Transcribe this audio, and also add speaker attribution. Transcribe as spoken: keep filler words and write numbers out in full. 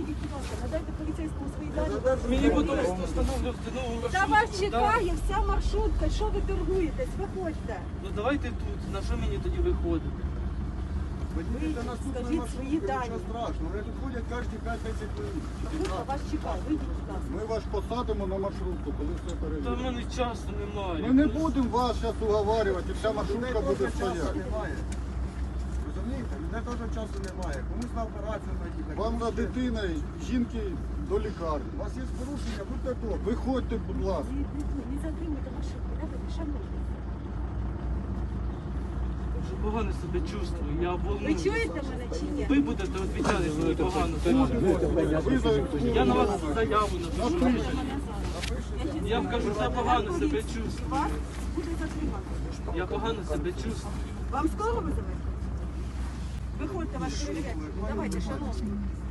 Speaker 1: вийдіть, будь ласка, надайте поліцейському свої дані.
Speaker 2: Мені потім встановлю встановлю
Speaker 1: Та вас чекає вся маршрутка, що ви торгуєтесь, виходьте.
Speaker 2: Ну давайте тут, на що мені тоді виходити?
Speaker 3: Вийдіть на наступну
Speaker 1: скажіть
Speaker 3: маршрутку,
Speaker 1: свої дані.
Speaker 3: нічого страшного. Вони тут ходять кожні п'ять-десять хвилин.
Speaker 1: Маршрутка вас чекає, вийдіть, будь ласка.
Speaker 3: Ми вас посадимо на маршрутку, коли все
Speaker 2: Та в
Speaker 3: перевіримо.
Speaker 2: мене часу немає.
Speaker 3: Ми не будемо вас зараз уговарювати, і вся маршрутка буде стояти.
Speaker 4: Немає. Розумієте? Мене теж часу немає. Комусь на операцію наїхати.
Speaker 3: Вам за дитиною, жінки до лікарні.
Speaker 4: У вас є порушення, будьте тут.
Speaker 3: Виходьте, будь ласка.
Speaker 1: Не, не, не затримуйте маршрутку, давайте, шановні.
Speaker 2: Я вже погано себе чувствую, я
Speaker 1: Ви
Speaker 2: волнуюся.
Speaker 1: чуєте мене чи ні?
Speaker 2: Ви будете відповідати, що ви погано себе чувствуєте.
Speaker 3: Ви за-
Speaker 2: Я на вас заяву напишу.
Speaker 3: Напишіть.
Speaker 2: Я вам кажу, що я погано себе чувствую.
Speaker 1: Вас буде затримано.
Speaker 2: Я погано себе чувствую.
Speaker 1: Вам скоро визовете? Виходьте, вас перевіряють. Давайте, шановні.